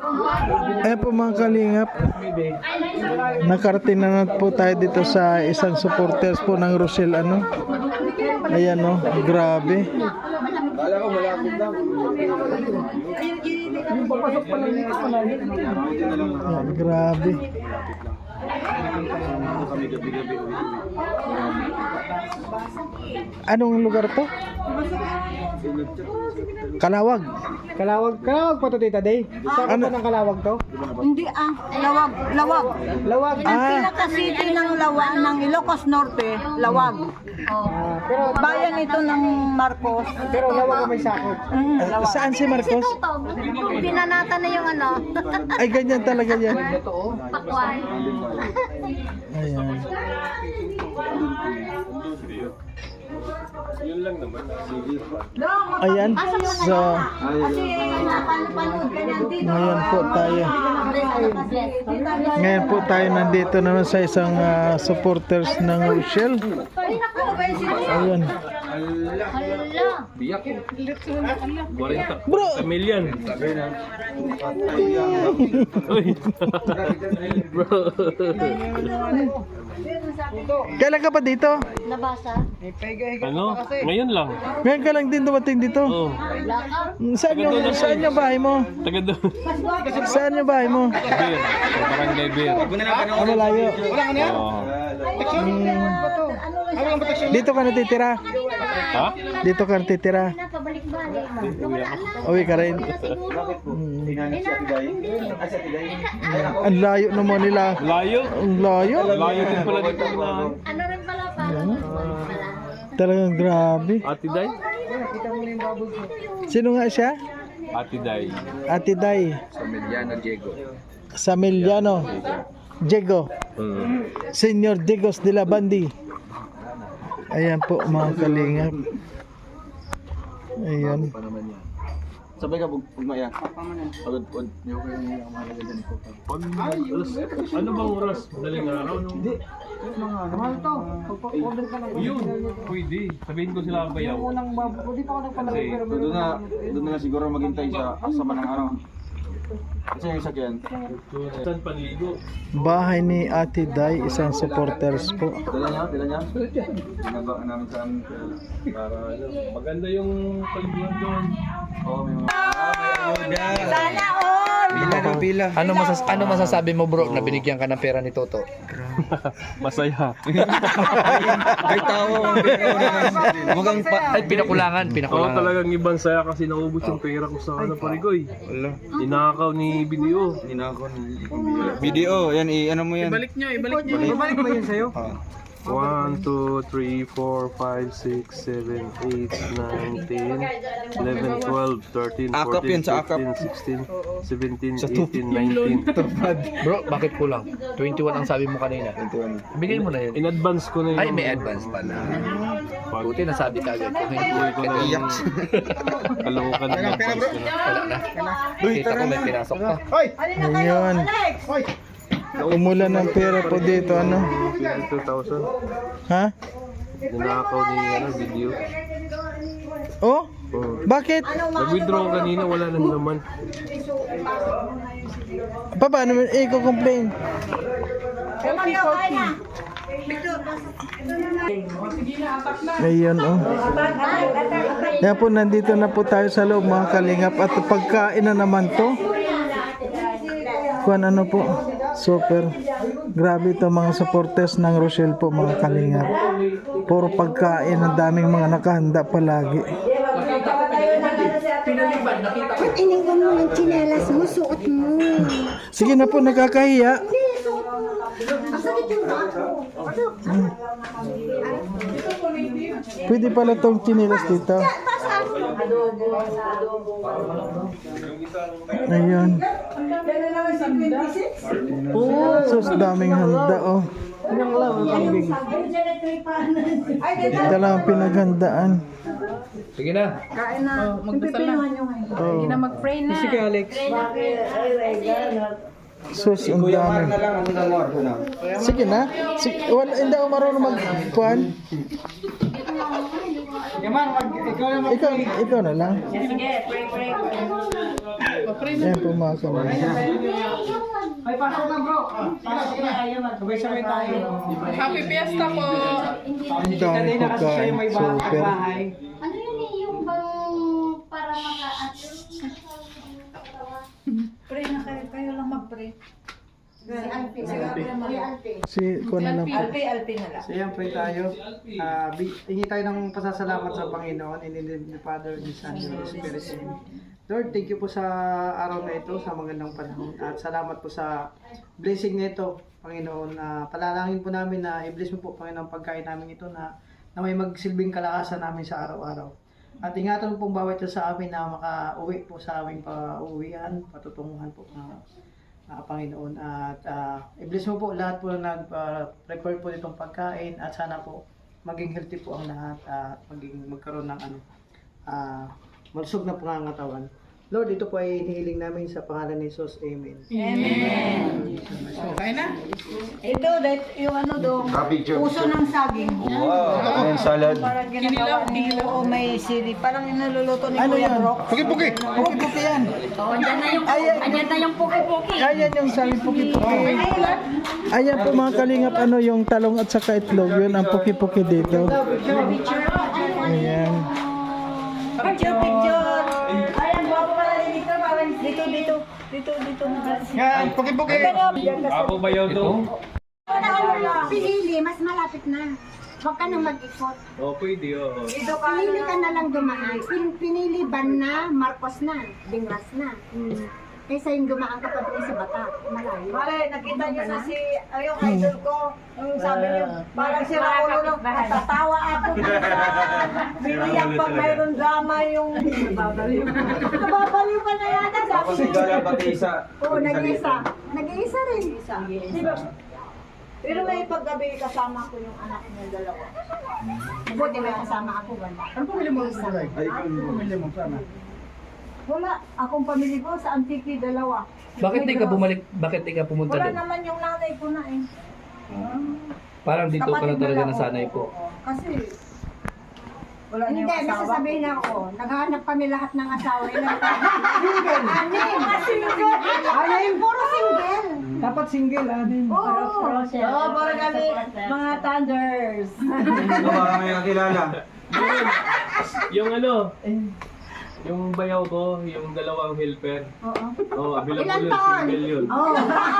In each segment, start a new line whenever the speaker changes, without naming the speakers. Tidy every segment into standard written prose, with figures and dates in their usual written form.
Ayan po mga kalingap, nakarating na po tayo dito sa isang supporters po ng Rochelle ano. Ayan o, grabe. Ayan, grabe. Anong lugar to? Kalawag.
Kalawag pa to, Tita Day. Saan
Ano?
pa ng Kalawag to?
Hindi Lawag.
Lawag.
Ang pinaka-city ng ng Ilocos Norte, Lawag.
Pero
Bayan ito ng Marcos.
Lawag ang may sakop.
Lawag.
Saan si Marcos?
Pinanata na yung ano,
Ay, ganyan talaga yan.
pakwan.
Ayan. Ayan. So, ngayon po tayo. Ngayon po tayo nandito naman sa isang supporters ng Rochelle. Ayan.
Biyak ko. 40
Bro!
million. Uy. Bro.
Kailan ka pa dito?
Nabasa?
Ano? Ngayon lang.
Ngayon ka lang din dumating dito.
Oo.
Saan yung bahay mo?
Taga doon.
Saan yung bahay mo?
Beer. Barangay Beer.
Malayo.
Oo.
Dito ka natitira?
Ha?
Dito ka natitira?
Pabalik-balik.
Uwi ka rin. Ang layo naman nila.
Layo.
Ang layo.
Layo din pala dito na.
Ano rin pala pa?
Talagang grabe.
Ate Day?
Sino nga siya?
Ate Day.
Ate Day.
Samiliano Diego.
Samiliano. Diego. Senyor Digos de la Bandi. Ayan po mga kalingap. Ayan.
Sabay ka pugmaya. Pagod.
Ano bang oras? Madaling araw? Hindi.
Mahal to. Pag-order ka ng
Yun. Pwede. Sabihin ko sila ang bayaw.
unang hindi pa ako nagpalagay pero
Doon na siguro maghintay sa asama ng araw. Kasi yung sakyan.
Saan panligo?
Bahay ni Ate Day, isang supporters po.
Dala niya. Ginagawa namin saan
Para ano, maganda yung paliguan doon.
Oo, may mga
Sana all!
Ano masasabi mo bro na binigyan ka ng pera ni Toto?
Masaya.
Ay, tao. Mukhang
Ay pinakulangan.
Oo, talagang ibang saya kasi naubos yung pera ko sa ano parigoy. Ninakaw ni Video.
video. Yan, ano mo yan?
Ibalik ba yun sa'yo?
1, 2, 3, 4, 5, 6, 7, 8, 9, 10, 11, 12, 13, 14,
Akap yan, sa akap.
15, 16, 17, 18, 19.
Bro, bakit kulang? 21 ang sabi mo kanina. Bigay mo na yun.
In advance ko na yun.
Ay, may advance pa na. Buti nasabi ka agad. Kung hindi,
Uy ko na yung kalokan na advance ko na.
wala na. Kita ko may pinasok ka.
Ngayon. Umulan ng pera po dito ano.
2,000.
Ha?
Ninakaw ni Video.
Oh? Bakit?
Nag-withdraw kanina, wala nang naman.
Paano mo i-complain? Ayun oh. Yan po, nandito na po tayo sa loob mga kalingap. At pagkain na naman to. Kuan ano po. Super. Grabe ito mga supporters ng Rochelle po mga kalingap. Puro pagkain. Ang daming mga nakahanda palagi.
Iniwan mo yung tsinelas mo, suot mo.
Sige na po, nakakahiya. Pwede pala tong chinilas dito. Ayun. Sus, daming handa oh. Ito lang ang pinaghandaan.
Sige na.
Kain na. Magdasal na. Hindi na mag-pray na.
Sige Alex.
Sus, ang dami. Sige na. Wala, hindi ako marunong mag-kuhan.
Yaman, ikaw na
Ikaw na lang. Yan po mga kalingap.
Ay, pasok na bro. Pasok na. Sabay-sabay tayo.
Happy Fiesta po!
Ang dami pagkain. Super.
Ano yun eh, yung bang para
Pre na kayo lang mag-pre.
Si ko na lang po.
Alpi na lang.
So yan po tayo. Hingi tayo ng pasasalamat sa Panginoon in the name of the Father, the Son, and the Spirit. Amen. Lord, thank you po sa araw na ito, sa magandang panahon. At salamat po sa blessing nito, Panginoon. Palalangin po namin na i-bless mo po, Panginoon, pagkain namin ito na may magsilbing kalakasan namin sa araw-araw. At ingatan mo pong bawat isa sa amin na makauwi po sa aming pauwian, patutunguhan po Panginoon. At i-bless mo po lahat po na nag-record po nitong pagkain at sana po maging healthy po ang lahat at magkaroon ng malusog na pangangatawan. Lord, ito po ay hinihiling namin sa pangalan ni Jesus. Amen.
Okay na?
Ito, yung ano doon,
Picture.
puso ng saging.
Wow. Ayan, salad.
Parang ginagawa ni o may sili. Parang inaluluto ni
Ano
Kuya
yan?
Brock.
Puki-puki. Puki-puki yan.
Andyan na yung puki-puki.
Ayan yung sabi puki-puki. Ayan po mga kalingap, ano yung talong at saka itlog. Yun ang puki-puki dito. Ayan.
Picture. Ayan, bago pala dito. Dito.
Yan, puki-puki.
Ako ba yun to?
Pinili, mas malapit na. Huwag ka nang mag-ikot.
Oh, pwede oh.
Pinili ka na lang dumaan. Pinili ban na, Marcos na, Dingras na. Kaysa yung dumaan ka pa doon sa Bata. Malayo.
Pare, nakita niyo na si, yung idol ko, yung sabi niyo, parang si Raulo, natatawa ako. Biniyak pag mayroon drama yung, nababaliw pa na yata.
Ako si Gala pati isa.
Oo, nag-iisa. Nag-iisa rin.
Di ba? Pero may paggabi kasama ko yung anak niya dalawa.
Buti may kasama ako.
Ano pumili mo sa like? Ay, ikaw yung pumili mo sana.
Wala, akong pamilya ko sa Antique dalawa.
Bakit di ka bumalik? Bakit di ka pumunta
Wala
doon?
naman yung nanay ko na eh.
Parang dito ka na
Kapatid
talaga
lang
nasanay
ako.
po.
Kasi, wala niya
Hindi,
yung asawa.
nasasabihin ako. Naghahanap kami lahat ng asawa. Anim, puro single.
Dapat single, anin.
Oo, para kami mga thunders.
Ito baka may nakilala.
Yung ano, yung bayaw ko, yung dalawang helper.
Oo.
Oh, available
Ilan
yun,
taon?
single yun.
Oh.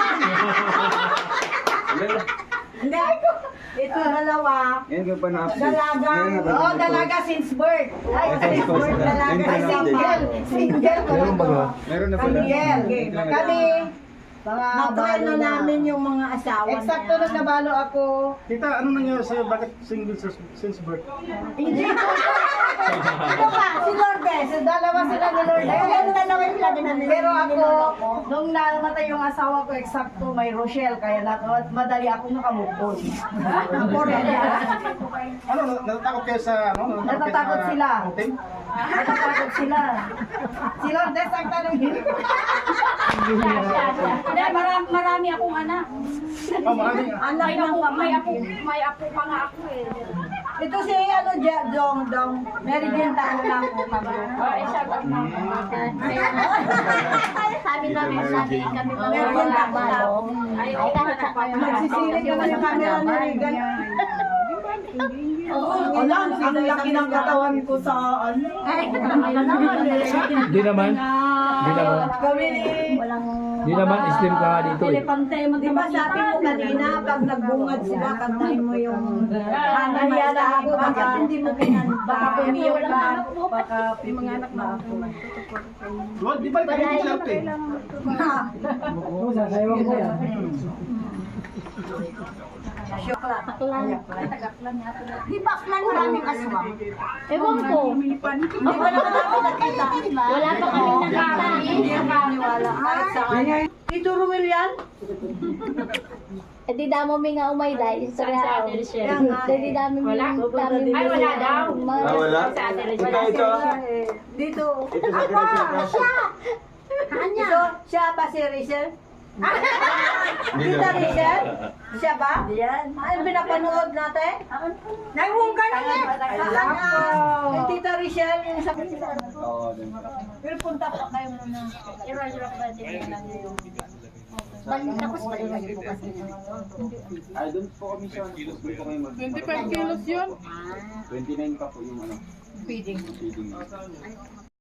Hindi. Ito dalawa.
Yan ka pa na-update.
Dalaga. Oh, dalaga since birth. Ay, since birth dalaga. Ay,
Single.
Single.
Meron ba ba? Meron na pala.
Single. Kami,
Natreno namin yung mga asawa
Eksakto nung nabalo ako.
Tita, ano nangyari sa'yo? Bakit single since birth?
Hindi ko. Ito pa, si Lourdes. Dalawa sila ni Lourdes.
Yung dalawa yung lagi namin.
Pero ako, nung namatay yung asawa ko, eksakto may Rochelle. Kaya madali akong nakamove on.
Ano, natatakot kayo sa, ano?
Natatakot sila.
Hotel?
Natatakot sila. Si Lourdes ang tanongin.
Marami akong anak.
Oh, maraming.
Anak ng pamangkin.
May apo pa nga ako eh.
Ito si ano, Dong. Mary Jane tayo lang po kami.
Shout out na Sabi namin, sabi kami
Mary Jane tayo.
Ay, kahit sa
Magsisilip naman yung camera ni Regan. Alam, ang laki ng katawan ko sa ano.
Di naman.
Kami ni...
Di naman, slim ka nga dito eh.
Di ba sabi mo kanina, pag nagbungad sila, kantahin mo yung hanayala ako, bakit hindi mo kinanta? Baka pumiyok ka, baka mga anak na ako.
Well, di ba kayo yung shout eh?
Sasayawan ko yan.
Di ba aklan maraming aswang?
Ewan ko. Hindi pa naman namin nakita.
Wala pa kami nakita.
Hindi ako maniwala. Kahit saan. Tito Romel yan?
Eh di damo mi nga umay dahil sa di dami mi
Ay, wala daw.
Wala? Ito.
Dito.
Ito sa Teresa Crush.
Ito, siya pa si Rachel? Tita Rachel? Siya ba? Yan. Ay, pinapanood natin?
Naiwong ka na niya.
Yung Tita Rachel, yung sa
Oo, din.
Pero punta pa kayo muna. I-rock ba din lang yung... Tapos balik kayo bukas.
Ay, doon po kami sa doon po kami
25 kilos yun.
29 pa po yung ano.
Feeding.
Feeding.